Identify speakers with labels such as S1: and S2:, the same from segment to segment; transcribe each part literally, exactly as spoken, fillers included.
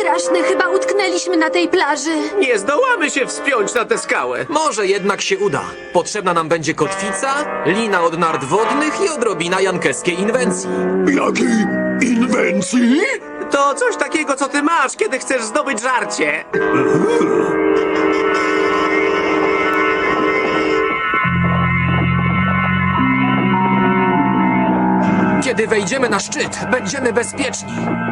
S1: straszne, chyba utknęliśmy na tej plaży.
S2: Nie zdołamy się wspiąć na tę skałę.
S3: Może jednak się uda. Potrzebna nam będzie kotwica, lina od nart wodnych i odrobina jankeskiej inwencji.
S4: Jakiej inwencji?
S2: To coś takiego, co ty masz, kiedy chcesz zdobyć żarcie.
S3: Kiedy wejdziemy na szczyt, będziemy bezpieczni.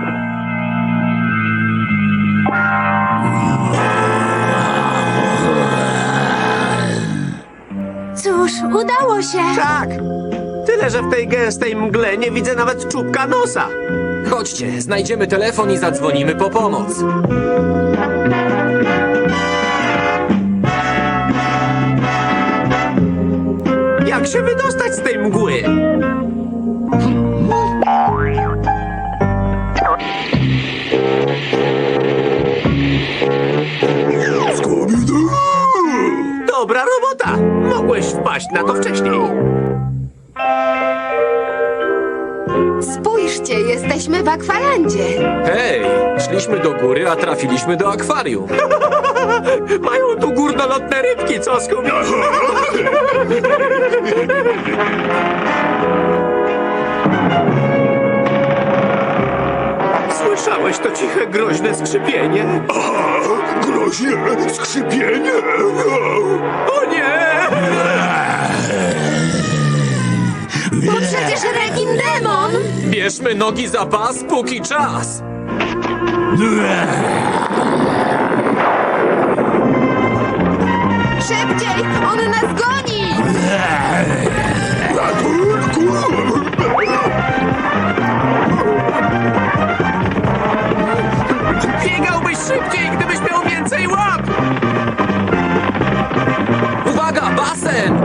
S1: Cóż, udało się.
S2: Tak. Tyle, że w tej gęstej mgle nie widzę nawet czubka nosa.
S3: Chodźcie, znajdziemy telefon i zadzwonimy po pomoc.
S2: Jak się wydostać z tej mgły?
S4: Scooby-Doo!
S2: Dobra robota. Mogłeś wpaść na to wcześniej.
S1: Spójrzcie, jesteśmy w akwalandzie.
S3: Hej, szliśmy do góry, a trafiliśmy do akwarium.
S2: Mają tu górnolotne rybki, co Scooby? Słyszałeś to ciche, groźne skrzypienie?
S4: Aha, groźnie, skrzypienie!
S2: O nie!
S1: To przecież Rekin Demon.
S3: Bierzmy nogi za pas, póki czas.
S1: Szybciej, on nas goni.
S4: Ratunku!
S2: Biegałbyś szybciej, gdybyś miał więcej łap!
S3: Uwaga, basen!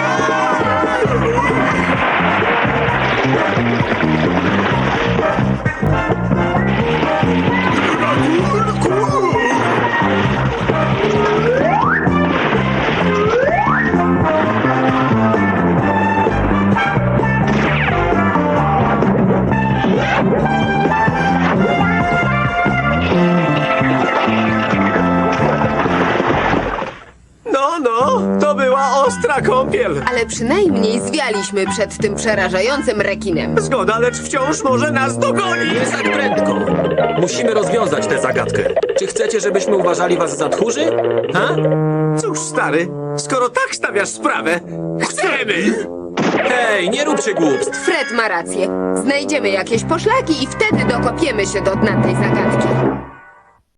S2: No, no, to była ostra kąpiel.
S1: Ale przynajmniej zwialiśmy przed tym przerażającym rekinem.
S2: Zgoda, lecz wciąż może nas dogonić.
S3: Nie tak prędko. Musimy rozwiązać tę zagadkę. Czy chcecie, żebyśmy uważali was za tchórzy? Ha?
S2: Cóż, stary, skoro tak stawiasz sprawę, chcemy!
S3: Hej, nie róbcie głupstw.
S1: Fred ma rację. Znajdziemy jakieś poszlaki i wtedy dokopiemy się do dna tej zagadki.